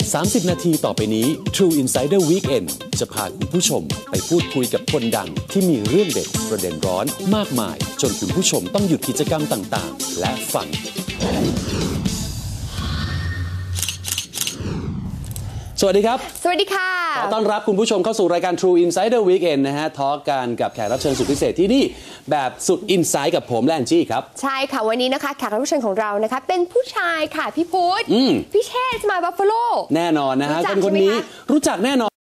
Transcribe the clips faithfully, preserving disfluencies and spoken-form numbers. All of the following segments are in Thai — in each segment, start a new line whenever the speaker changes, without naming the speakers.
สามสิบนาทีต่อไปนี้ True Insider Weekend จะพาคุณผู้ชมไปพูดคุยกับคนดังที่มีเรื่องเด็ดประเด็นร้อนมากมายจนคุณผู้ชมต้องหยุดกิจกรรมต่างๆและฟังสวัสดีครับ
สวัสดีค่ะ
ขอต้อนรับคุณผู้ชมเข้าสู่รายการ True Insider Weekend นะฮะทอล์กกันกับแขกรับเชิญสุดพิเศษที่นี่แบบสุดอินไซด์กับผมและแอนจี้ครับ
ใช่ค่ะวันนี้นะคะแขกรับเชิญของเรานะคะเป็นผู้ชายค่ะพี่พุทธพี่เชษฐ์มาบัฟฟาโล
แน่นอนนะฮะคนคนนี้รู้จักแน่นอน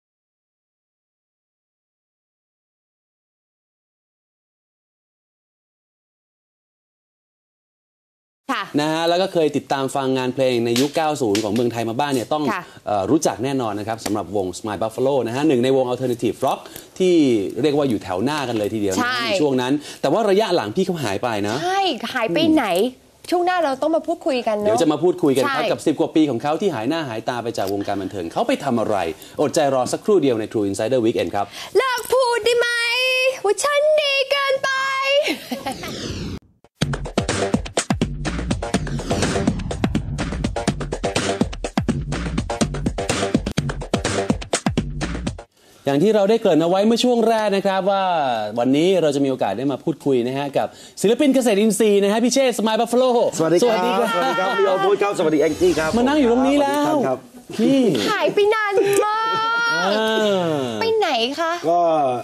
นะฮะแล้วก็เคยติดตามฟังงานเพลงในยุค เก้าสิบ ของเมืองไทยมาบ้างเนี่ยต้องเอ่อรู้จักแน่นอนนะครับสำหรับวง Smile Buffalo นะฮะหนึ่งในวง Alternative Rock ที่เรียกว่าอยู่แถวหน้ากันเลยทีเดียวในช่วงนั้นแต่ว่าระยะหลังพี่เขาหายไปนะ
ใช่หายไปไหนช่วงหน้าเราต้องมาพูดคุยกันเนาะ
เดี๋ยวจะมาพูดคุยกันครับกับสิบกว่าปีของเขาที่หายหน้าหายตาไปจากวงการบันเทิงเขาไปทำอะไรอดใจรอสักครู่เดียวใน True Insider Weekend ครับ
เลิกพูดได้ไหมว่าฉันดีเกินไป
อย่างที่เราได้เกริ่นเอาไว้เมื่อช่วงแรกนะครับว่าวันนี้เราจะมีโอกาสได้มาพูดคุยนะฮะกับศิลปินเกษตรอินทรีย์นะฮะพี่เชษฐ์ Smile Buffalo
สวัสดีครับสวัสดีครับสวัสดีครับพี่โอพูดครับสวัสดีแองจี้ครับ
มานั่งอยู่ตรงนี้แล้ว
พี่หายไปนานมากไปไหนคะ
ก็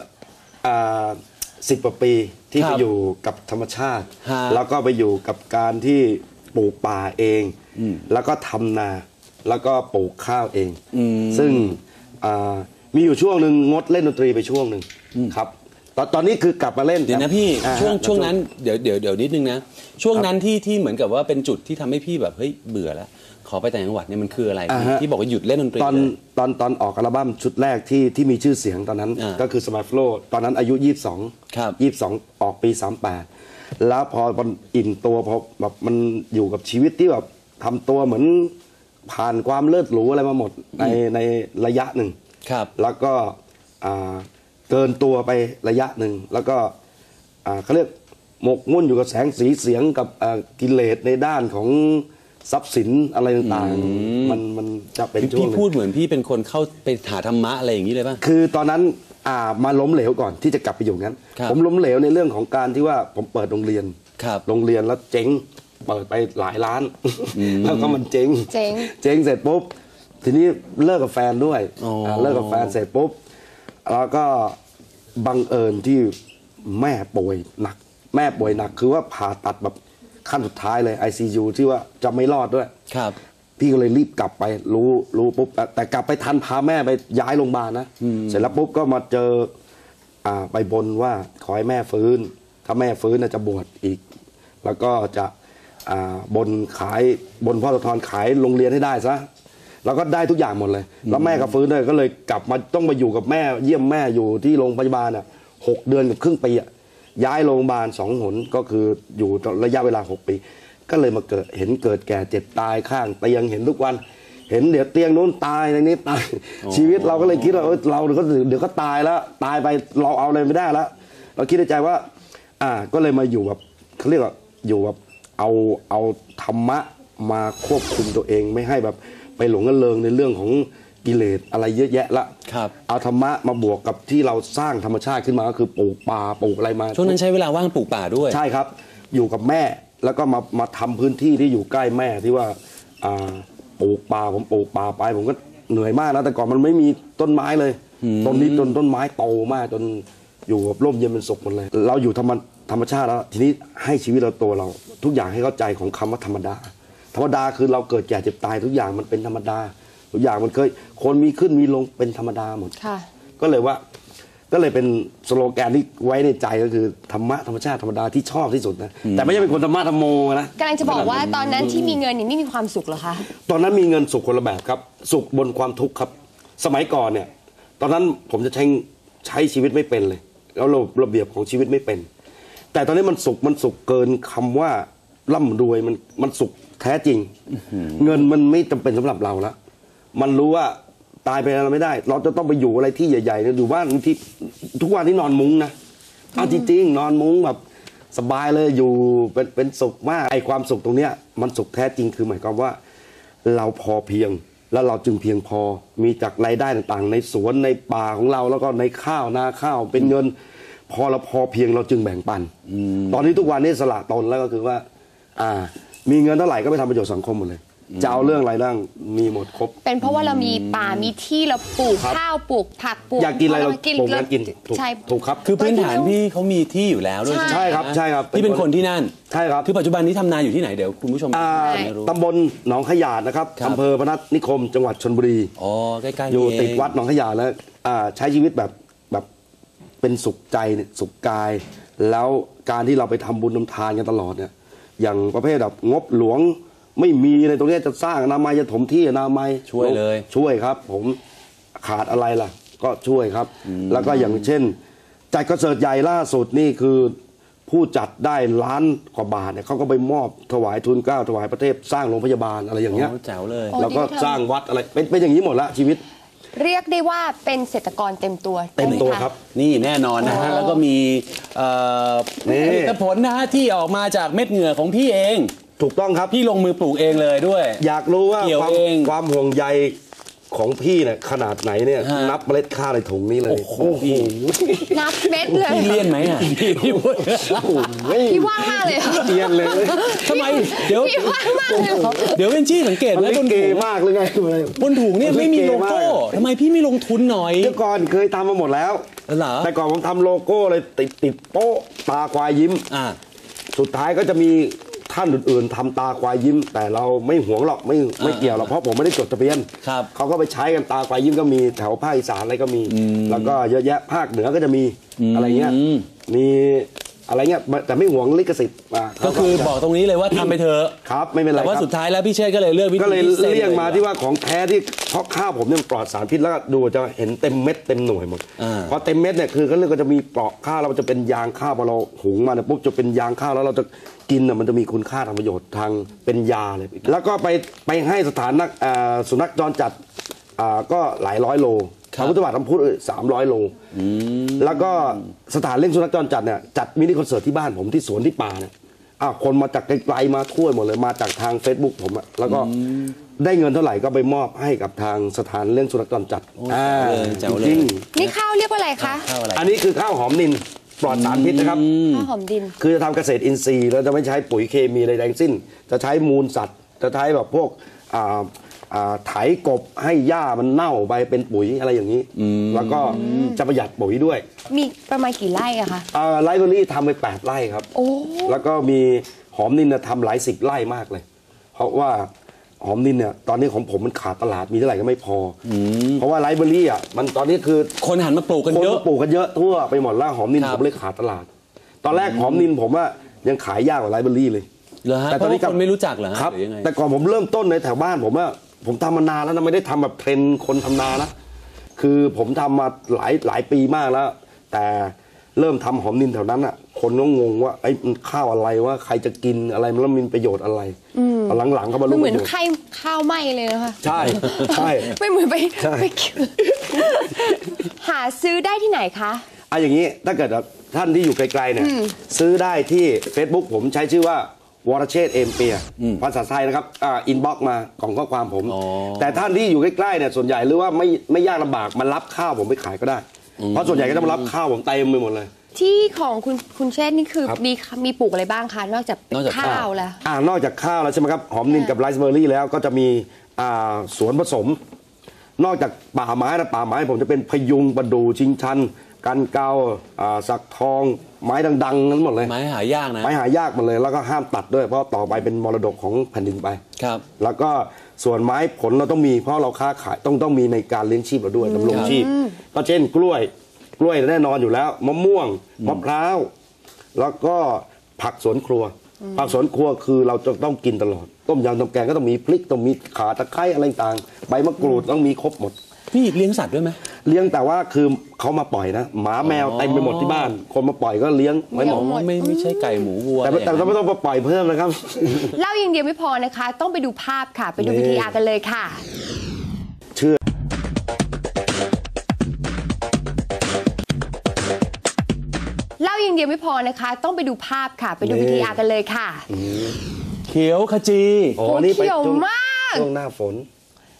สิบกว่าปีที่ไปอยู่กับธรรมชาติแล้วก็ไปอยู่กับการที่ปลูกป่าเองแล้วก็ทำนาแล้วก็ปลูกข้าวเองซึ่งมีอยู่ช่วงหนึ่งงดเล่นดนตรีไปช่วงหนึ่งครับตอนตอนนี้คือกลับมาเล่น
เดี๋ยวนะพี่ช่วงช่วงนั้นเดี๋ยวเดี๋ยวเดี๋ยวนิดนึงนะช่วงนั้นที่ที่เหมือนกับว่าเป็นจุดที่ทำให้พี่แบบเฮ้ยเบื่อแล้วขอไปต่างจังหวัดเนี่ยมันคืออะไรที่บอกว่าหยุดเล่นดนตรี
ตอนตอนตอนออกอัลบั้มชุดแรกที่ที่มีชื่อเสียงตอนนั้นก็คือ Smile Buffalo ตอนนั้นอายุยี่สิบสอง
ครับ
ยี่สิบสองออกปีสามสิบแปดแล้วพอมันอิ่มตัวพอแบบมันอยู่กับชีวิตที่แบบทำตัวเหมือนผ่านความเลิศหรูอะไรมาหมดในในระยะหนึ่งแล้วก็เกินตัวไประยะหนึ่งแล้วก็เขาเรียกหมกมุ่นอยู่กับแสงสีเสียงกับกิเลสในด้านของทรัพย์สินอะไรต่างๆมันมันจะเป็นช่วง
พี่พูดเหมือนพี่เป็นคนเข้าไปหาธรรมะอะไรอย่างนี้เลยป่ะ
คือตอนนั้นมาล้มเหลวก่อนที่จะกลับไปอยู่งั้นผมล้มเหลวในเรื่องของการที่ว่าผมเปิดโรงเรียนโรงเรียนแล้วเจ๊งเปิดไปหลายล้านแล้วก็มันเจ๊งเจ๊งเสร็จปุ๊บทีนี้เลิกกับแฟนด้วยเลิกกับแฟนเสร็จปุ๊บแล้วก็บังเอิญที่แม่ป่วยหนักแม่ป่วยหนักคือว่าผ่าตัดแบบขั้นสุดท้ายเลย ไอ ซี ยู ที่ว่าจะไม่รอดด้วย
ครับ
พี่ก็เลยรีบกลับไปรู้รู้ปุ๊บแต่กลับไปทันพาแม่ไปย้ายโรงพยาบาลนะเสร็จแล้วปุ๊บก็มาเจอไปบนว่าขอให้แม่ฟื้นถ้าแม่ฟื้นจะบวชอีกแล้วก็จะบนขายบนพ่อตะทอนขายโรงเรียนให้ได้ซะแล้วก็ได้ทุกอย่างหมดเลยแล้วแม่ก็ฟื้นด้วยก็เลยกลับมาต้องมาอยู่กับแม่เยี่ยมแม่อยู่ที่โรงพยาบาลอ่ะหกเดือนกับครึ่งปีอ่ะย้ายโรงพยาบาลสองหนก็คืออยู่ระยะเวลาหกปีก็เลยมาเกิดเห็นเกิดแก่เจ็บตายข้างเตียงเห็นทุกวันเห็นเดี๋ยวเตียงโน้นตายในนี้ตายชีวิตเราก็เลยคิดว่าเออเราเดี๋ยวก็เดี๋ยวก็ตายแล้วตายไปเราเอาอะไรไม่ได้แล้วเราคิดในใจว่าอ่าก็เลยมาอยู่แบบเขาเรียกว่าอยู่แบบเอาเอาธรรมะมาควบคุมตัวเองไม่ให้แบบไปหลงระเริงในเรื่องของกิเลสอะไรเยอะแยะละเอาธรรมะมาบวกกับที่เราสร้างธรรมชาติขึ้นมาก็คือปลูกป่าปลูกอะไรมา
ช่วงนั้นใช้เวลาว่างปลูกป่าด้วย
ใช่ครับอยู่กับแม่แล้วก็มามาทำพื้นที่ที่อยู่ใกล้แม่ที่ว่าปลูกป่าผมปลูกป่าไปผมก็เหนื่อยมากนะแต่ก่อนมันไม่มีต้นไม้เลยต้นนี้ต้นต้นไม้โตมากจนอยู่กับร่มเย็นเป็นสุขหมดเลยเราอยู่ธรรมธรรมชาติแล้วทีนี้ให้ชีวิตเราตัวเราทุกอย่างให้เข้าใจของคำว่าธรรมดาธรรมดาคือเราเกิดแก่เจ็บตายทุกอย่างมันเป็นธรรมดาทุกอย่างมันเคยคนมีขึ้นมีลงเป็นธรรมดาหมดก็เลยว่าก็เลยเป็นสโลแกนที่ไว้ในใจก็คือธรรมะธรรมชาติธรรมดาที่ชอบที่สุดนะแต่ไม่ใช่เป็นคนธรรมะธรรมโมนะ
กำลังจะบอกว่าตอนนั้นที่มีเงินนี่ไม่มีความสุขเหรอคะ
ตอนนั้นมีเงินสุขคนละแบบครับสุขบนความทุกข์ครับสมัยก่อนเนี่ยตอนนั้นผมจะใช้ใช้ชีวิตไม่เป็นเลยแล้วระเบียบของชีวิตไม่เป็นแต่ตอนนี้มันสุขมันสุขเกินคำว่าร่ำรวยมันมันสุขแท้จริงเงินมันไม่จำเป็นสำหรับเราแล้วมันรู้ว่าตายไปเราไม่ได้เราจะต้องไปอยู่อะไรที่ใหญ่ๆอยู่บ้านที่ทุกวันที่นอนมุ้งนะเอาจริงๆนอนมุ้งแบบสบายเลยอยู่เป็นเป็นสุขมากไอ้ความสุขตรงเนี้ยมันสุขแท้จริงคือหมายความว่าเราพอเพียงแล้วเราจึงเพียงพอมีจากรายได้ต่างๆในสวนในป่าของเราแล้วก็ในข้าวนาข้าวเป็นเงินพอเราพอเพียงเราจึงแบ่งปันตอนนี้ทุกวันนี้สละตนแล้วก็คือว่าอ่ามีเงินเท่าไหร่ก็ไปทำประโยชน์สังคมหมดเลยจะเอาเรื่องอะไรบ้างมีหมดครบ
เป็นเพราะว่าเรามีป่ามีที่เราปลูกข้าวปลูกผักปลูก
อยากกินอะไรเราปลูกนั้นกิน
ใช่
ถูกครับ
คือพื้นฐานพี่เขามีที่อยู่แล้วด้วย
ใช่ครับใช่ครับ
พี่เป็นคนที่นั่น
ใช่ครับ
คือปัจจุบันนี้ทำนาอยู่ที่ไหนเดี๋ยวคุณผู้ชม
ตำบลหนองขยาดนะครับอำเภอพนัสนิคมจังหวัดชลบุรี
อ๋อใกล้ๆ
อยู่ติดวัดหนองขยาดแล้วใช้ชีวิตแบบแบบเป็นสุขใจสุขกายแล้วการที่เราไปทำบุญทำทานกันตลอดเนี่ยอย่างประเภทแบบงบหลวงไม่มีในตรงนี้จะสร้างอนามัยจะถมที่อนามัย
ช่วยเลย
ช่วยครับผมขาดอะไรล่ะก็ช่วยครับแล้วก็อย่างเช่นจัดคอนเสิร์ตใหญ่ล่าสุดนี่คือผู้จัดได้ล้านกว่าบาทเนี่ยเขาก็ไปมอบถวายทุนเกล้าถวายประเทศสร้างโรงพยาบาลอะไรอย่างเงี้ย
แจ๋วเลย
แล้วก็สร้างวัดอะไรเป็นเป็นอย่างนี้หมดละชีวิต
เรียกได้ว่าเป็นเศรษฐกรเต็มตัว
เต็มตัวครับ
นี่แน่นอนนะฮะแล้วก็มีผลิตผลนะฮะที่ออกมาจากเม็ดเหงื่อของพี่เอง
ถูกต้องครับ
พี่ลงมือปลูกเองเลยด้วย
อยากรู้ว่าความความห่วงใยของพี่เนี่ยขนาดไหนเนี่ยนับเมล็ดข้าวในถุงนี้เลยโอ้โห
นับเม็ดเลย
พี่เลี่ยนไหมอ่ะพี่พี่
พี่ว่างมากเลย
เลี่ยนเลย
ทำไมเดี๋ยว
พี่ว่างมากเลย
เดี๋ยวเป็นชี่สังเกต
แล้วบนถุงมากเลยไง
บนถุงเนี่ยไม่มีโลโก้ทำไมพี่ไม่ลงทุนหน่อย
เมื่อก่อนเคยทำมาหมดแล้วแต่ก่อนผมทำโลโก้เลยติดติดโป๊ะตาควายยิ้ม
อ่า
สุดท้ายก็จะมีท่านอื่นๆทำตาควายยิ้มแต่เราไม่หวงหรอกไม่ไม่เกี่ยวหรอกเพราะผมไม่ได้จดทะเบียนเขาก็ไปใช้กันตาควายยิ้มก็มีแถวภาคอีสานอะไรก็มีแล้วก็เยอะแยะภาคเหนือก็จะมีอะไรเงี้ยมีอะไรเงี้ยแต่ไม่หวงลิขสิทธิ์
ก็คือบอกตรงนี้เลยว่าทำไปเถอะ
ครับไม่เป็นไร
แต่ว่าสุดท้ายแล้วพี่เชษก็เลยเลือกวิธี
ก็เลยเลี่ยงมาที่ว่าของแท้ที่เพราะข้าวผมเนี่ยปลอดสารพิษแล้วก็ดูจะเห็นเต็มเม็ดเต็มหน่วยหมดพอเต็มเม็ดเนี่ยคือเขาเรียกว่าจะมีเปราะข้าวแล้วมันจะเป็นยางข้าวพอเราหุงมาเนี่ยปุ๊บจะเป็นยางข้าวแล้วเราจะกินน่ะมันจะมีคุณค่าทางประโยชน์ทางเป็นยาเลยแล้วก็ไปไปให้สถานนักสุนัขจรจัดก็หลายร้อยโลพระพุทธบาททำพุทธสามร้อยโลแล้วก็สถานเลี้ยงสุนัขจรจัดเนี่ยจัดมินิคอนเสิร์ตที่บ้านผมที่สวนที่ป่าเนี่ยอ้าวคนมาจากไกลๆมาทั่วหมดเลยมาจากทาง Facebook ผมอะแล้วก็ได้เงินเท่าไหร่ก็ไปมอบให้กับทางสถานเลี้ยงสุนัขจรจัด
อ่า
จริง
นี่ข้าวเรียกว่าอะไรคะ
อันนี้คือข้าวหอมนินปลอดสารพิษนะครับ
ข้าวหอมดิน
คือจะทำเกษตรอินทรีย์เราจะไม่ใช้ปุ๋ยเคมีใดทั้งสิ้นจะใช้มูลสัตว์จะใช้แบบพวกไถกบให้หญ้ามันเน่าไปเป็นปุ๋ยอะไรอย่างนี้แล้วก็จะประหยัดปุ๋ยด้วย
มีประมาณกี่ไร่อะคะ
ไร่เบอรี่ทำไปแปดไร่ครับแล้วก็มีหอมนินทำหลายสิบไร่มากเลยเพราะว่าหอมนินเนี่ยตอนนี้ของผมมันขาดตลาดมีเท่าไหร่ก็ไม่พอเพราะว่าไลฟ์เบอรี่อ่ะมันตอนนี้คือ
คนหันมาปลูกกันเยอะ
คนปลูกกันเยอะทั่วไปหมดแล้วหอมนินผมเลยขาดตลาดตอนแรกหอมนินผมว่ายังขายยากกว่าไลฟ์เบอรี่เลย
แต่ตอนนี้คนไม่รู้จักเหรอ
ครับแต่ก่อนผมเริ่มต้นในแถวบ้านผมว่าผมทำมานานแล้วนะไม่ได้ทำแบบเทรนคนทำนานะคือผมทำมาหลายหลายปีมากแล้วแต่เริ่มทำหอมนินแถวนั้นอ่ะคนก็งงว่าไอ้ข้าวอะไรว่าใครจะกินอะไรมันแล้วมีประโยชน์อะไรหลังๆเขามารู้
เหมือนไข่ข้าวไหม้เลยนะคะ
ใช่ใช่
ไม่เหมือนไปไปหาซื้อได้ที่ไหนคะ
อ่ะอย่างนี้ถ้าเกิดท่านที่อยู่ไกลๆเนี่ยซื้อได้ที่ Facebook ผมใช้ชื่อว่าวรเชษฐ์เอมเปียภาษาไทยนะครับอ่าอินบ็อกซ์มาของข้อความผมแต่ท่านที่อยู่ใกล้ๆเนี่ยส่วนใหญ่หรือว่าไม่ไม่ยากลำบากมารับข้าวผมไปขายก็ได้เพราะส่วนใหญ่ก็จะมารับข้าวผมเต็มไปหมดเลย
ที่ของคุณคุณเชษฐ์นี่คือมีมีปลูกอะไรบ้างคะนอกจากข้าวแล้ว
อ่านอกจากข้าวแล้วใช่ไหมครับหอมนินกับไรซ์เบอร์รี่แล้วก็จะมีอ่าสวนผสมนอกจากป่าไม้นะป่าไม้ผมจะเป็นพยุงประดู่ชิงชันกันเกาสักทองไม้ดังๆนั้นหมดเลย
ไม้หายากนะ
ไม้หายากหมดเลยแล้วก็ห้ามตัดด้วยเพราะต่อไปเป็นมรดกของแผ่นดินไป
ครับ
แล้วก็ส่วนไม้ผลเราต้องมีเพราะเราค้าขายต้องต้องมีในการเลี้ยงชีพเราด้วยดำรงชีพก็เช่นกล้วยกล้วยแน่นอนอยู่แล้วมะม่วงมะพร้าวแล้วก็ผักสวนครัวผักสวนครัวคือเราจะต้องกินตลอดต้มยำต้มแกงก็ต้องมีพริกต้องมีข่าตะไคร้อะไรต่างใบมะกรูดต้องมีครบหมด
พี่เลี้ยงสัตว์ด้วยไหม
เลี้ยงแต่ว่าคือเขามาปล่อยนะหมาแมวเต็มไปหมดที่บ้านคนมาปล่อยก็เลี้ยงไว้หมด
ไม่ไม่ใช่ไก่หมูวัว
แต่แต่เราไม่ต้องมาปล่อยเพิ่มนะครับ
เล่าอย่างเดียวไม่พอนะคะต้องไปดูภาพค่ะไปดูวิธีอากันเลยค่ะ
เชื่อ
เล่าอย่างเดียวไม่พอนะคะต้องไปดูภาพค่ะไปดูวิธีอากันเลยค่ะ
เขียวขจี
โอ้เขียวมาก
ช่วงหน้าฝน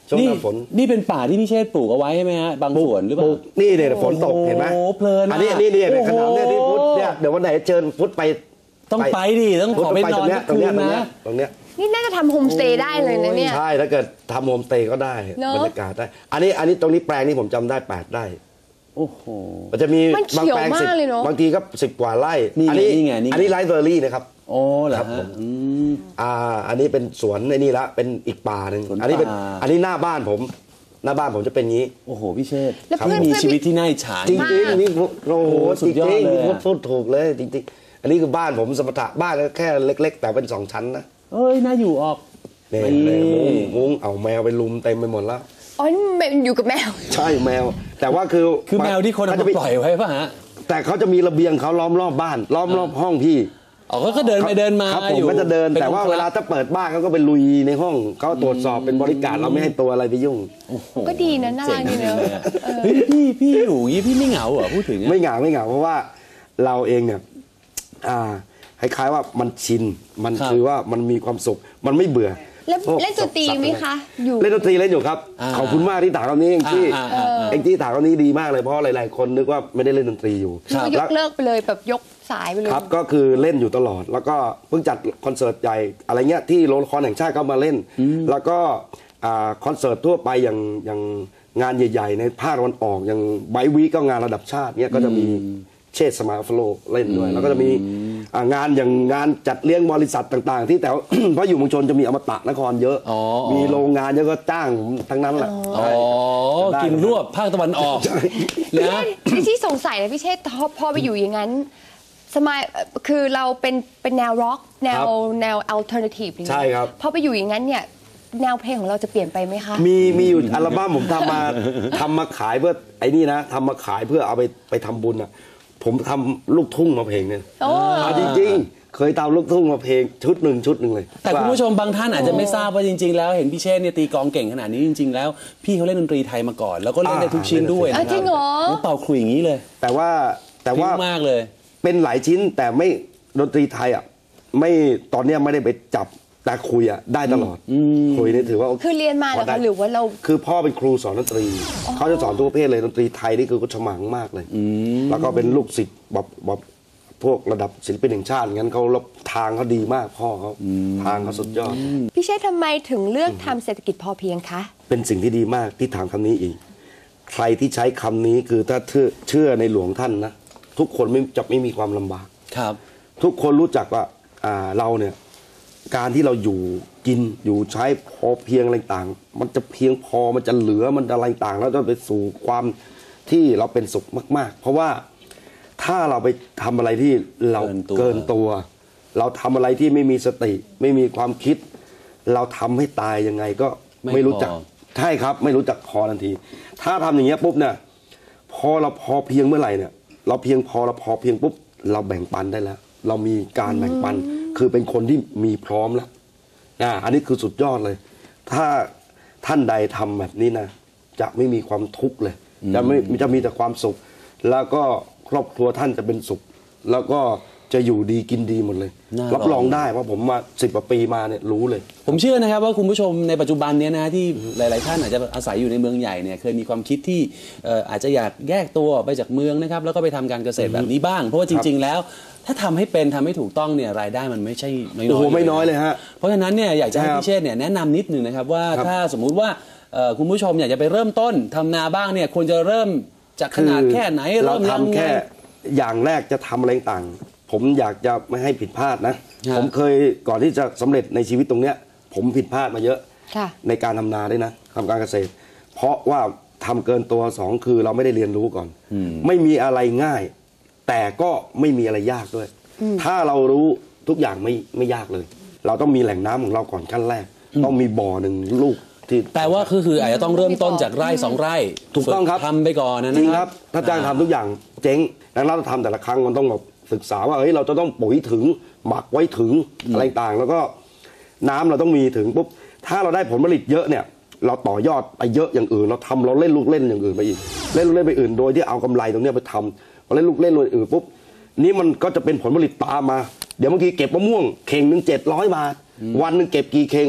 ช่วงหน้าฝน
นี่เป็นป่าที่พี่เชษฐ์ปลูกเอาไว้ใช่ไหมฮะบางส่วนหรือเปล่า
นี่เนี่ยฝนตกเห็นไหม
โอ้เพลิน
อันนี้นี่นี่ขนาดเนี่ยที่พุทธเนี่ยเดี๋ยววันไหนเชิญพุทธไป
ต้องไปดิต้องขอไปนอนตรงนี้นะ
ตรงเนี้ย
นี่น่าจะทำโฮมสเตย์ได้เลยนะเนี่ย
ใช่ถ้าเกิดทำโฮมสเตย์ก็ได้บรรยากาศได้อันนี้อันนี้ตรงนี้แปลงนี่ผมจำได้แปดไร่
โอ้โห
มันจะมีบางแปลงสิบบางทีก็สิบกว่าไร่อันนี้อันนี้ไรซ์เบอร์รี่นะครับ
โอ้เหรอ
ครับผมอ่าอันนี้เป็นสวนในนี่ละเป็นอีกป่าหนึ่งอันนี้เป็นอันนี้หน้าบ้านผมหน้าบ้านผมจะเป็นงี้
โอ้โหพี่เชษฐ์ที่มีชีวิตที่น่าอิจฉา
จริงจริงนี่โอ้โหจริงจริงพูดถูกเลยจริงๆอันนี้คือบ้านผมสมถะบ้านแค่เล็กๆแต่เป็นสองชั้นนะ
เอ้ยน่าอยู่ออก
เนี่ยมุ้งเอาแมวไปลุมเต็มไปหมดแล้ว
อ๋อนี่อยู่กับแมว
ใช่แมวแต่ว่าคือ
คือแมวที่คนเอามาปล่อยไว้ป่ะฮะ
แต่เขาจะมีระเบียงเขาล้อมรอบบ้านล้อมรอบห้องพี่
อ๋อก็เดินไปเดินมา
ครับผมก็จะเดินแต่ว่าเวลาถ้าเปิดบ้านเขาก็เป็นลุยในห้องเขาตรวจสอบเป็นบริการเราไม่ให้ตัวอะไรไปยุ่ง
ก็ดีนะน่ารักดีเนอะ
พี่พี่อยู่ยี่พี่ไม่เหงาเหรอพูดถึง
ไม่เหงาไม่เหงาเพราะว่าเราเองเนี่ยอ่าคล้ายๆว่ามันชินมันคือว่ามันมีความสุขมันไม่เบื่อ
แล้วเล่นดนตรีไหมคะ
อยู่เล่นดนตรีเล่นอยู่ครับขอบคุณมากที่ถามคำนี้เองที่เองที่ถามคำนี้ดีมากเลยเพราะหลายๆคนนึกว่าไม่ได้เล่นดนตรีอยู่
ยกเลิกไปเลยแบบยกสายไปเลย
ครับก็คือเล่นอยู่ตลอดแล้วก็เพิ่งจัดคอนเสิร์ตใหญ่อะไรเงี้ยที่โรงละครแห่งชาติก็มาเล่นแล้วก็คอนเสิร์ตทั่วไปอย่างอย่างงานใหญ่ๆในภาคตะวันออกอย่างไบวีก็งานระดับชาติเนี้ยก็จะมีเชษฐ์สมาร์ทโฟลเล่นด้วยแล้วก็จะมีงานอย่างงานจัดเลี้ยงบริษัทต่างๆที่แต่เพราะอยู่เมืองชนจะมีอมตะนครเยอะมีโรงงานเยอะก็จ้างทั้งนั้นแหละ
อ๋อกินรวบภาคตะวันออก
นะที่สงสัยนะพี่เชษฐ์พอไปอยู่อย่างนั้นสมัยคือเราเป็นเป็นแนวร็อกแนวแนวอัลเทอร์เนทีฟ
ใช่ครับ
พอไปอยู่อย่างนั้นเนี่ยแนวเพลงของเราจะเปลี่ยนไปไหมคะ
มีมีอยู่อัลบั้มผมทำมาทำมาขายเพื่อไอ้นี่นะทำมาขายเพื่อเอาไปไปทำบุญอ่ะผมทำลูกทุ่งมาเพลงเนี่ยจริงๆเคยทำลูกทุ่งมาเพลงชุดหนึ่งชุดหนึ่งเลย
แต่คุณผู้ชมบางท่านอาจจะไม่ทราบว่าจริงๆแล้วเห็นพี่เชษฐ์เนี่ยตีกลองเก่งขนาดนี้จริงๆแล้วพี่เขาเล่นดนตรีไทยมาก่อนแล้วก็เล่นได้ทุกชิ้นด้วยนะครับ
จริงเหรอ
เป่าขลุ่ยอย่างนี้เลย
แต่ว่าแต่ว่าม
ากเลย
เป็นหลายชิ้นแต่ไม่ดนตรีไทยอ่ะไม่ตอนนี้ไม่ได้ไปจับแต่คุยอ่ะได้ตลอดคุยนี่ถือว่า
คือเรียนมาแล้วหรือว่าเรา
คือพ่อเป็นครูสอนดนตรีเขาจะสอนทุกประเภทเลยดนตรีไทยนี่คือเขาฉมังมากเลยแล้วก็เป็นลูกศิษย์แบบแบบพวกระดับศิลปินแห่งชาติงั้นเขาทางเขาดีมากพ่อเขาทางเขาสุดยอด
พี่เชษฐ์ทำไมถึงเลือกทำเศรษฐกิจพอเพียงคะ
เป็นสิ่งที่ดีมากที่ถามคำนี้อีกใครที่ใช้คำนี้คือถ้าเชื่อในหลวงท่านนะทุกคนไม่จะไม่มีความลำบาก
ครับ
ทุกคนรู้จักว่าเราเนี่ยการที่เราอยู่กินอยู่ใช้พอเพียงอะไรต่างมันจะเพียงพอมันจะเหลือมันอะไรต่างแล้วจะไปสู่ความที่เราเป็นสุขมากๆเพราะว่าถ้าเราไปทำอะไรที่เราเกินตัวเราทำอะไรที่ไม่มีสติไม่มีความคิดเราทำให้ตายยังไงก็ไม่รู้จักใช่ครับไม่รู้จักพอทันทีถ้าทำอย่างเงี้ยปุ๊บเนี่ยพอเราพอเพียงเมื่อไหร่เนี่ยเราเพียงพอเราพอเพียงปุ๊บเราแบ่งปันได้แล้วเรามีการแบ่งปันคือเป็นคนที่มีพร้อมแล้วอ่าอันนี้คือสุดยอดเลยถ้าท่านใดทำแบบนี้นะจะไม่มีความทุกข์เลยจะไม่จะมีแต่ความสุขแล้วก็ครอบครัวท่านจะเป็นสุขแล้วก็จะอยู่ดีกินดีหมดเลยรับรองได้ว่าผมมาสิบกว่าปีมาเนี่ยรู้เลย
ผมเชื่อนะครับว่าคุณผู้ชมในปัจจุบันนี้นะที่หลายๆท่านอาจจะอาศัยอยู่ในเมืองใหญ่เนี่ยเคยมีความคิดที่อาจจะอยากแยกตัวไปจากเมืองนะครับแล้วก็ไปทำการเกษตรแบบนี้บ้างเพราะว่าจริงๆแล้วถ้าทำให้เป็นทำให้ถูกต้องเนี่ยรายได้มันไม่ใช่น้อยๆโอ้
โหไม่น้อยเลยฮะ
เพราะฉะนั้นเนี่ยอยากจะให้พี่เชษฐ์เนี่ยแนะนำนิดนึงนะครับว่าถ้าสมมุติว่าคุณผู้ชมอยากจะไปเริ่มต้นทำนาบ้างเนี่ยควรจะเริ่มจากขนาดแค่ไหน
เริ่มทำแค่อย่างแรกจะทำอะไรต่างผมอยากจะไม่ให้ผิดพลาดนะผมเคยก่อนที่จะสำเร็จในชีวิตตรงเนี้ยผมผิดพลาดมาเยอะในการทำนาด้วยนะทำการเกษตรเพราะว่าทำเกินตัวสองคือเราไม่ได้เรียนรู้ก่อนไม่มีอะไรง่ายแต่ก็ไม่มีอะไรยากด้วยถ้าเรารู้ทุกอย่างไม่ไม่ยากเลยเราต้องมีแหล่งน้ำของเราก่อนขั้นแรกต้องมีบ่อหนึ่งลูกที่
แต่ว่าคือคืออาจจะต้องเริ่มต้นจากไร่สองไร่
ถูกต้องครับ
ทำไปก่อนนะ
จริงครับถ้าจ้างทำทุกอย่างเจ๊งดังนั้นเราทำแต่ละครั้งมันต้องแบบศึกษาว่าเฮ้ยเราจะต้องปุ๋ยถึงหมักไว้ถึงอะไรต่างแล้วก็น้ำเราต้องมีถึงปุ๊บถ้าเราได้ผลผลิตเยอะเนี่ยเราต่อยอดไปเยอะอย่างอื่นเราทำเราเล่นลูกเล่นอย่างอื่นไปอีกเล่นลูกเล่นไปอื่นโดยที่เอากำไรตรงนี้ไปทำเราเล่นลูกเล่นอื่นปุ๊บนี่มันก็จะเป็นผลผลิตตามมาเดี๋ยวบางทีเก็บมะม่วงเข่งหนึ่งเจ็ดร้อยบาทวันหนึ่งเก็บกี่เข่ง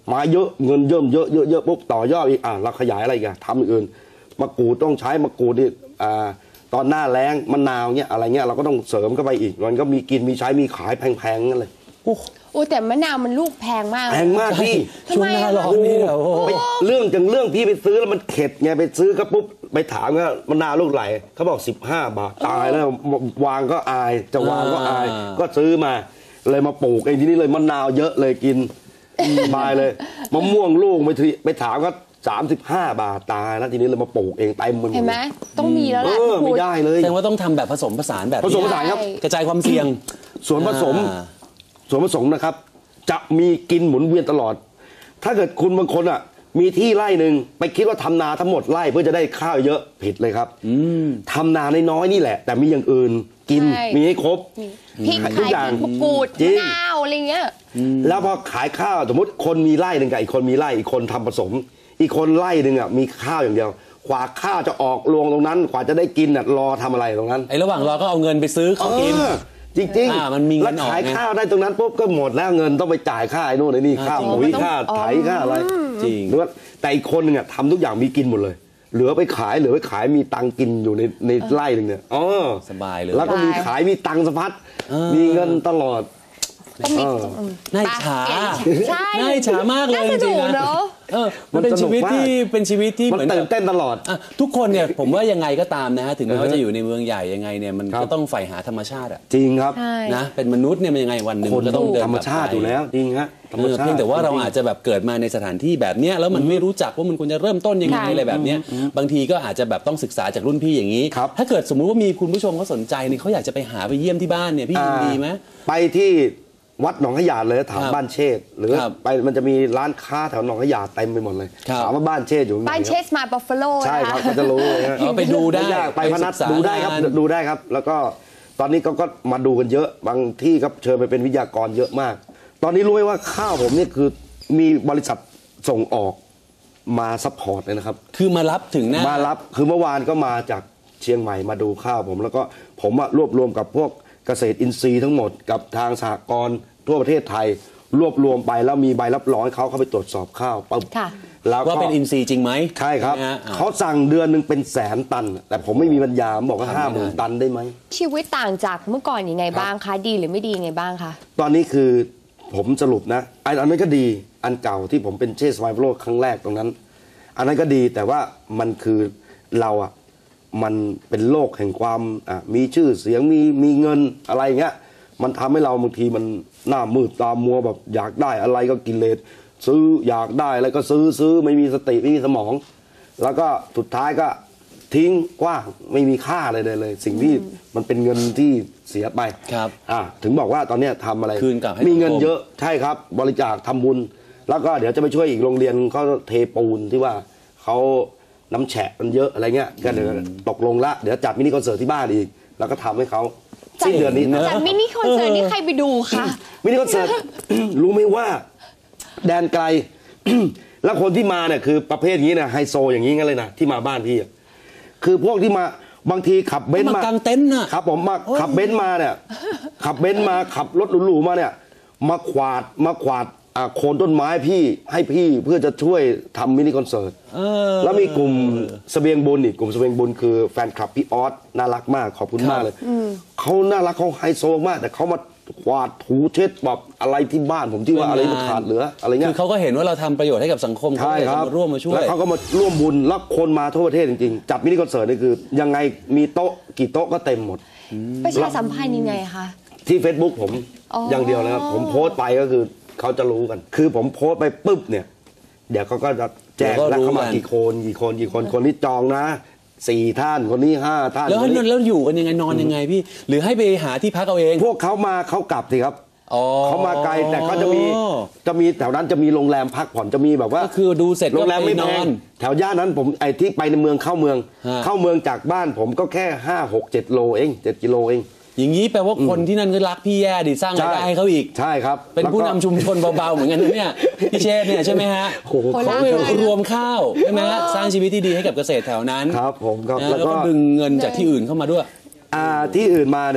มาเยอะเงินเยิ่มเยอะเยอะเยอะปุ๊บต่อยอดอีกอ่ะเราขยายอะไรกันทำอย่างอื่นมะกรูดต้องใช้มะกรูดที่อ่าตอนหน้าแล้งมะนาวเนี่ยอะไรเงี้ยเราก็ต้องเสริมเข้าไปอีกมันก็มีกินมีใช้มีขายแพงๆนั่นเลย
โอ้แต่มะนาวมันลูกแพงมาก
แพงมากพี่
ช่วงหน้าร้อนนี่เหรอโอ้
ไปเรื่องจังเรื่องพี่ไปซื้อแล้วมันเข็ดไงไปซื้อก็ปุ๊บไปถามว่ามะนาวลูกไหลเขาบอกสิบห้าบาทตายแล้ววางก็อายจะวางก็อาย ก็ซื้อมาเลยมาปลูกเองทีนี้เลยมะนาวเยอะเลยกินสบายเลยมะม่วงลูกไปทีไปถามก็สามสิบห้าบาทตายแล้วทีนี้เลยมาปลูกเองเต็มมัน
เห็นไหมต้องมีแล้วแห
เอ
ละ
อไม่ได้เลย
แสดงว่าต้องทำแบบผสมผสานแบบ
ผสมผ
นี้
สานครับ
กระจายความเสี่ยง
ส่วนผสม
อ่า
ส่วนผสมนะครับ จะมีกินหมุนเวียนตลอด ถ้าเกิดคุณบางคนอ่ะ มีที่ไร่หนึ่งไปคิดว่าทำนาทั้งหมดไร่เพื่อจะได้ข้าวเยอะผิดเลยครับทำนาน้อยๆนี่แหละ แต่มีอย่างอื่นกิน
ใช่
มีให้ครบ
พริก
ทุ
ขาก ย
อย่าง
มะกรูด
จริ
มะ
ง
นาวอะไรเงี้ย
แล้วพอขายข้าวสมมติคนมีไร่หนึ่งกับอีกคนมีไร่อีกคนทำผสม อีกคนไร่หนึ่งอ่ะมีข้าวอย่างเดียวกว่าข้าวจะออกรวงตรงนั้นกว่าจะได้กินอ่ะรอทำอะไรตรงนั้น
ไอ้ระหว่างรอก็เอาเงินไปซื้อเขากิน
เออจริง
อ่ามันมีเงิน
แล้วขาย
ออกไง
ข้าวได้ตรงนั้นปุ๊บก็หมดแล้วเงินต้องไปจ่ายค่าไอ้นู่นไอ้นี่ค่า
จริง
ปุ๋ย
มันต้อง
ค่าไถค่าอะไร
จริง
หรือว่าแต่อีกคนหนึงอ่ะทำทุกอย่างมีกินหมดเลย เหลือไปขายเหลือไปขายมีตังค์กินอยู่ในในไร่หนึ่งเนี่ยอ๋อ
สบายเลย
แล้วก็มีขายมีตังค์สะพัดมีเงินตลอด
ต้องมี
เออ
อืม
น่าอิจฉา
ใช่
น่าอิจฉามากเลย
น่า
จ
ส
ริ
นุ
ง
ก
ๆนะ
เนอะ
เออมันเป็น
มันสนุ
ชี
ก
วิต
มาก
ที่เป็นชีวิตที่
มัน
เหมือน
ตื่
แบ
น
บ
เต้นตลอด
อ่ะทุกคนเนี่ยผมว่ายังไงก็ตามนะฮะถึงแม้ว่า
อือฮะ
จะอยู่ในเมืองใหญ่ยังไงเนี่ยมัน
ครับ
ก็ต้องใฝ่หาธรรมชาติอะ
จริงครับ
ใช่
นะเป็นมนุษย์เนี่ยมันยังไงวันหนึ่ง
คน
ก็
ต้
ต้
อ
อง งเดิน
ธรรมชาติอยู่แล้วจริงฮะธรรม
เออ
ชาติ
เพียงแต่ว่าเรา
จงๆ
อาจจะแบบเกิดมาในสถานที่แบบเนี้ยแล้วมันไม่รู้จักว่ามันควรจะเริ่มต้นยังไง
ค่ะ
อะไรแบบเนี้ยบางทีก็อาจจะแบบต้องศึกษาจากรุ่นพี่อย่างนี้
ครับ
ถ้าเกิดสมมุติว่ามีคุณผู้ชมเขาสนใจเนี่ยเขาอยากจะไปหาไปเยี่ยมที่บ้านเนี่ยพี่ยินดีไหม
ไปที่วัดหนองขยาดเลยถาม
ครับ
บ้านเชษฐ์หรือ
ครับ
ไปมันจะมีร้านค้าแถวหนองขยาดเต็มไปหมดเลย
ครับ
ถามว่าบ้านเชษฐ์อยู่ตรงไหน
บ้านเช
ครับ
สมาบัฟฟาโล
ใช่ครับก็จะรู้เลยฮะ
เอาไปดูได้
ม่ยากไปพนัส
ไปศึกษา
ดูได้ครับ
งาน
ดูได้ครับ แล้วก็ตอนนี้ก็ก็มาดูกันเยอะบางที่ครับเชิญไปเป็นวิทยากรเยอะมาก ตอนนี้รู้ไหมว่าข้าวผมเนี่ยคือมีบริษัทส่งออกมาซัพพอร์ตเลยนะครับ
คือมารับถึงหน้า
มารับคือเมื่อวานก็มาจากเชียงใหม่มาดูข้าวผม แล้วก็ผมอะรวบรวมกับพวกเกษตรอินทรีย์ทั้งหมดกับทางสหกรณ์ทั่วประเทศไทย รวบรวมไปแล้วมีใบรับรองให้เขาเข้าไปตรวจสอบข้าวปั๊บ
ค่ะ
แล้วก็
ว่าเป็นอินทรีย์จริงไหม
ใช่ครับ
นะฮะอ่า
เขาสั่งเดือนหนึ่งเป็นแสนตัน แต่ผมไม่มีปัญญาผมบอกว่า
ทำไม่
ห้าห
ได้
มื่นตันได้ไหม
ชีวิตต่างจากเมื่อก่อนยังไงบ้างคะ ดีหรือไม่ดียังไงบ้างคะ
ตอนนี้คือผมสรุปนะอันอันนั้นก็ดีอันเก่าที่ผมเป็นเชสไวโรครั้งแรกตรงนั้น อันนั้นก็ดีแต่ว่ามันคือเราอะมันเป็นโลกแห่งความอ่ะมีชื่อเสียงมีมีเงินอะไรเงี้ยมันทำให้เราบางทีมันหน้ามืดตามัวแบบอยากได้อะไรก็กิเลสซื้ออยากได้อะไรก็ซื้อซื้อไม่มีสติไม่มีสมอง แล้วก็สุดท้ายก็ทิ้งกว้างไม่มีค่าอะไรเลยเลย สิ่งที่มันเป็นเงินที่เสียไป
ครับ
อ่ะถึงบอกว่าตอนเนี้ยทำอะไร
คืนกลับให้
มีเงิน
สังคม
เยอะใช่ครับบริจาคทำบุญ แล้วก็เดี๋ยวจะไปช่วยอีกโรงเรียนเขาเทปูนที่ว่าเขาน้ำแฉะมันเยอะอะไรเงี้ยก็เดี๋ยวตกลงละเดี๋ยวจัดมินิคอนเสิร์ตที่บ้านอีก แล้วก็ทำให้เขาสิ้นเดือนนี้
เนอะ
จัดมินิคอนเสิร์ตนี่ใครไปดูคะ
มินิคอนเสิร์ต รู้ไหมว่าแดนไกล แล้วคนที่มาเนี่ยคือประเภทอย่างนี้นะไฮโซอย่างนี้งั้นเลยนะที่มาบ้านพี่อะคือพวกที่มาบางทีขับเบนซ์
มาม
าก
างเต็นท์น่ะ
ครับผมมาขับเบนซ์มาเนี่ย ขับเบนซ์มาขับรถหรูๆมาเนี่ย มาขวาดมาขวาดอ่าโคนต้นไม้พี่ให้พี่เพื่อจะช่วยทำมินิคอนเสิร์ต
เออ
แล้วมีกลุ่มเสบียงบุญอีกกลุ่มเสบียงบุญคือแฟนคลับพี่ออสน่ารักมากขอบคุณมากเลยเขาน่ารักเขาไฮโซมาก แต่เขามาขวาดถูเช็ดแบบอะไรที่บ้านผมที่ว่าอะไรมันขาดเหลืออะไรเงี้
คื
ย
อเขาก็เห็นว่าเราทำประโยชน์ให้กับสังคมเขา
ใช่
เลย
ครับ
มาร่วมมาช่วย
แล้วเขาก็มาร่วมบุญแล้วคนมาทั่วประเทศจริงๆจัดมินิคอนเสิร์ตนี่คือ ยังไงมีโต๊ะกี่โต๊ะก็เต็มหมด
ประชาสัมพันธ์ยังไงคะ
ที่ Facebook ผม
อ๋อ
อ
อย่าง
เดียวนะครับผมโพสต์ไปก็คือเขาจะรู้กัน คือผมโพสต์ไปปุ๊บเนี่ย เดี๋ยวเขาก็จะแจ้งแล้วเข้ามากี่คนกี่คนกี่คนคนนี้จองนะสี่ท่านคนนี้ห้าท่าน
แล้ว
คนนี้
แล้วอยู่กันยังไงนอนยังไงพี่ หรือให้ไปหาที่พักเอาเอง
พวกเขามาเขากลับสิครับ
อ๋อ
เขามาไกลแต่เขาจะมีจะมีแถวนั้นจะมีโรงแรมพักผ่อนจะมีแบบว่า
ก็คือดูเสร็จ
โร
ก็
งแรม
ไป
ไม่
น
แพ
อง น
แถวย่านนั้นผมไอ้ที่ไปในเมืองเข้าเมือง
ฮะ
เข้าเมืองจากบ้านผมก็แค่ห้าหกเจ็ดโลเองเจ็ดกิโลเอง
อย่างนี้แปลว่าคนที่นั่นก็รักพี่แย่ดิสร้างรายได้ให้เขาอีก
ใช่ครับ
เป็นผู้นำชุมชนเบาๆเหมือนกันนะเนี่ยพี่เชษฐ์เนี่ยใช่ไหมฮะ
โอ้โห
เขาไปรวมข้าวใช่ไหมฮะสร้างชีวิตที่ดีให้กับเกษตรแถวนั้น
ครับผมครับ
นะ
แล้
แล้ว ว
ก็
ก็ดึงเงินจากที่อื่นเข้ามาด้วย
อ่าที่อื่นมาเนี่ย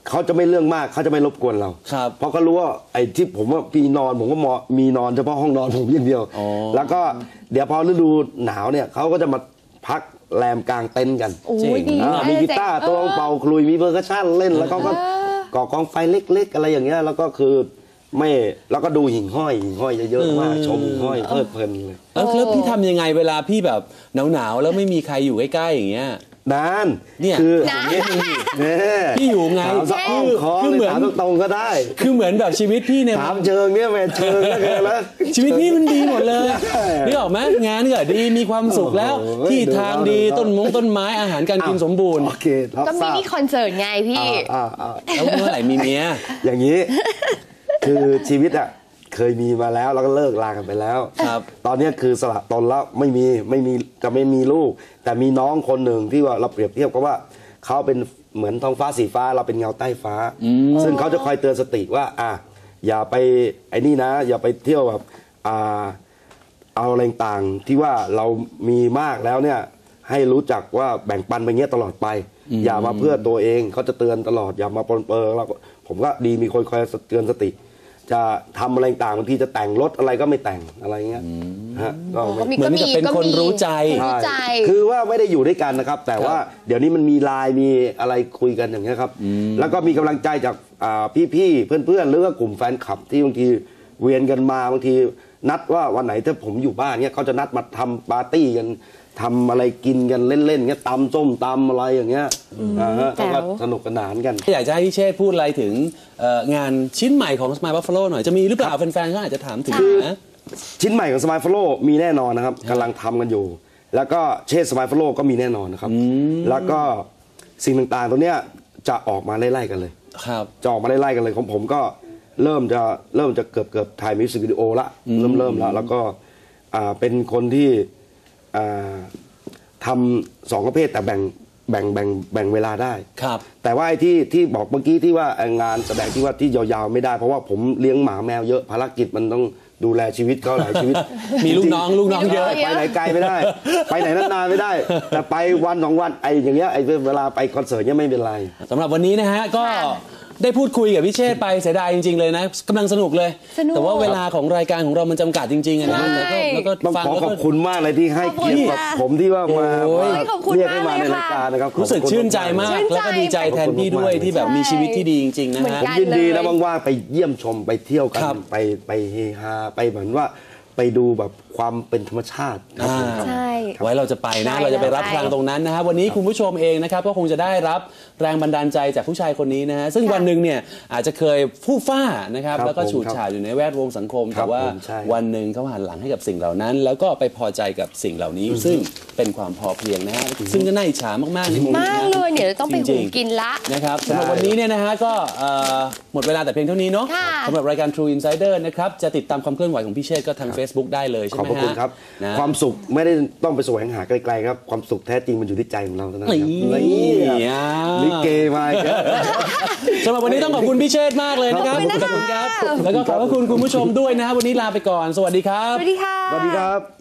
เขาจะไม่เรื่องมากเขาจะไม่รบกวนเรา
ครับ
เพราะเขารู้ว่าไอ้ที่ผมว่าพี่นอนผมก็มอมีนอนเฉพาะห้องนอนผมอย่างเดียว
อ๋อ
แล้วก็เดี๋ยวพอฤดูหนาวเนี่ยเขาก็จะมาพักแรมกลางเต็นท์กัน
โอ้
จริ
ย
ง
ดี
อ่ามีกีตาร์ตัวเป่าคลุยมีเพอร์คัชชั่นเล่นแล้วเขาก็ก่อกองไฟเล็กๆอะไรอย่างเงี้ยแล้วก็คือไม่แล้วก็ดูหิ่งห้อยหิ่งห้อยเยอะๆมากชมหิ่งห้อยเพลิดเพลินเลย
แล้วแล้วพี่ทำยังไงเวลาพี่แบบหนาวๆแล้วไม่มีใครอยู่ใกล้ๆอย่างเงี้ย
นาน
เนี่ย
คือ
นะ
เนี่ย
พี่อยู่ไง
ถามสักอ้อมคอ
คือ
เล
เหมื
ย
อน
ถามตรงๆก็ได้
คือเหมือนแบบชีวิตพี่เนี่ย
ถามเชิงเนี่ยแม่เชิงแล้วเกินแล้ว
ชีวิตพี่มันดีหมดเลย
ใช่
นี่ออกไหมงานก็ดีมีความสุขแล้ว
โอ้โห
ที่ทางดี
ดูแล้ว
ต้นมงต้นไม้อาหารการกินสมบูรณ์
โอเครับ
ก็มิ
ทราบ
นิคอนเสิร์ตไงพี่
อ่าอ่า
แล้วเมื่อไหร่มีเมีย
อย่างนี้ คือชีวิตอ่ะเคยมีมาแล้วแล้วก็เลิกลากันไปแล้ว
ครับ
ตอนนี้คือสละตนแล้วไม่มีไม่มีจะไม่มีลูก แต่มีน้องคนหนึ่งที่ว่าเราเปรียบเทียบกับว่าเขาเป็นเหมือนท้องฟ้าสีฟ้าเราเป็นเงาใต้ฟ้า ซึ่งเขาจะคอยเตือนสติว่า อ่ะอย่าไปไอ้นี่นะ อย่าไปเที่ยวแบบอ่าเอาอะไรต่างๆที่ว่าเรามีมากแล้วเนี่ย ให้รู้จักว่าแบ่งปันไปเงี้ยตลอดไป อย่ามาเพื่อตัวเองเขาจะเตือนตลอดอย่ามาปนเปื้อนเราก็ผมก็ดีมีคนคอยเตือนสติ จะทำอะไรต่างบางทีจะแต่งรถอะไรก็ไม่แต่งอะไรเงี้ยฮะก็ไม่
มี
เหมือนกับเป็นคนรู้ใจ
คนรู้ใจ
คือว่าไม่ได้อยู่ด้วยกันนะครับ แต่ว่าเดี๋ยวนี้มันมีไลน์มีอะไรคุยกันอย่างเงี้ยครับ แล้วก็มีกำลังใจจากอ่าพี่ๆเพื่อนๆหรือว่ากลุ่มแฟนคลับที่บางทีเวียนกันมาบางทีนัดว่าวันไหนถ้าผมอยู่บ้านเงี้ยเขาจะนัดมาทำปาร์ตี้กันทำอะไรกินกันเล่นๆเงี้ยตำส้มตำอะไรอย่างเงี้ยอ่าฮะ
แจ๋ว
ก็สนุกสนานกัน
อยากจะให้พี่เชษฐ์พูดอะไรถึงเอ่องานชิ้นใหม่ของ Smile Buffalo หน่อยจะมีหรือเปล่าแฟนๆเขาอาจจะถามถึงนะ
ชิ้นใหม่ของสมายฟโลมีแน่นอนนะครับกำลังทำกันอยู่ แล้วก็เชษสมายฟโลก็มีแน่นอนนะครับ แล้วก็สิ่งต่างๆตัวเนี้ยจะออกมาไล่ๆกันเลย
ครับ
จะออกมาไล่ๆกันเลยของผมก็เริ่มจะเริ่มจะเกือบเกือบถ่ายมิวสิกวิดีโอละเริ่มเริ่มแล้วแล้วก็อ่าเป็นคนที่อ่าทำสองประเภทแต่แบ่งแบ่งแบ่งแบ่งเวลาได้
ครับ
แต่ว่าไอ้ที่ที่บอกเมื่อกี้ที่ว่างานแสดงที่ว่าที่ยาวๆไม่ได้ เพราะว่าผมเลี้ยงหมาแมวเยอะภารกิจมันต้องดูแลชีวิตเขาหลายชีวิต
มีลูกน้องลูกน้องเยอะ
ไปไหนไกลไม่ได้ ไปไหนนานๆไม่ได้ แต่ไปวันสองวันไอ้อย่างเงี้ยไอ้เวลาไปคอนเสิร์ตเนี้ยไม่เป็นไร
สำหรับวันนี้นะฮะก็ได้พูดคุยกับพี่เชษฐ์ไปเสียดายจริง ๆ เลยนะกำลังสนุกเลย
สนุก
แต่ว่าเวลาของรายการของเรามันจำกัดจริงๆอะนะ
ใช่
แล้วก็แล้วก็
ต้อง
ฟัง
ขอ
แล้ว
ข
ก็
อบคุณมากเลยที่ให้เกียรติกับผมที่ว่ามา
โอ้ย
มา
ขอบคุณ
เรียกให้มาใน
มากเลย
รายการนะครับ
รู้สึก
ขอบคุณ
ชื่นใจมาก
ชื่นใจ
แล้วก็ดีใจแทนพี่ด้วยที่แบบมีชีวิตที่ดีจริงๆนะ
เหมือน
ฮะ
กั
ยินดีนะว่างๆไปเยี่ยมชมไปเที่ยวกัน
ครับ
ไปไปเฮฮาไปเหมือนว่าไปดูแบบความเป็นธรรมชาติครับผม
อ่า
ใช่
ไว้เราจะไปนะ
ใช่
เราจะไปรับ
ใช่
พลังตรงนั้นนะฮะวันนี้คุณผู้ชมเองนะครับก็คงจะได้รับแรงบันดาลใจจากผู้ชายคนนี้นะฮะซึ่งวันหนึ่งเนี่ยอาจจะเคยฟู่ฟ้านะครับ
ครับ
แล้วก็
ผม
ฉูดฉาดอยู่ในแวดวงสังคม
ครั
แต่
บ
ว่า
ผมใช่
วันหนึ่งเขาหันหลังให้กับสิ่งเหล่านั้น แล้วก็ไปพอใจกับสิ่งเหล่านี้ ซึ่งเป็นความพอเพียงนะฮะซึ่งก็น่าอิจฉามากๆในมุมนี้
มาก
นะ
เลยเนี่ยต้องไป
จ
หุ
ริ
ง
งๆ
กินละ
นะครับสำหรับวันนี้เนี่ยนะฮะก็เอ่อหมดเวลาแต่เพียงเท่านี้เนาะ
ค่ะ
สำหรับรายการ True Insider นะครับจะติดตามความเคลื่อนไหวของพี่เชษฐ์ก็ทาง Facebook ได้เลยใช่
ขอบ
ไหม
พระคุณ
ฮะ
ครับ
นะ
ความสุขไม่ได้ต้องไปแสวงหาไกลๆครับ ความสุขแท้จริงมันอยู่ที่ใจของเราเท่านั้นครับ
นี่
นี่ลิเกมาอีกแล้ว
สำหรับวันนี้ต้องขอบคุณพี่เชษฐ์มากเลยนะครับ
ขอบคุณนะคะ
ขอบคุณครับ แล้วก็ขอบพระคุณคุณผู้ชมด้วยนะฮะวันนี้ลาไปก่อน สวัสดีครับ
สวัสดีค่ะ
สวัสดีครับ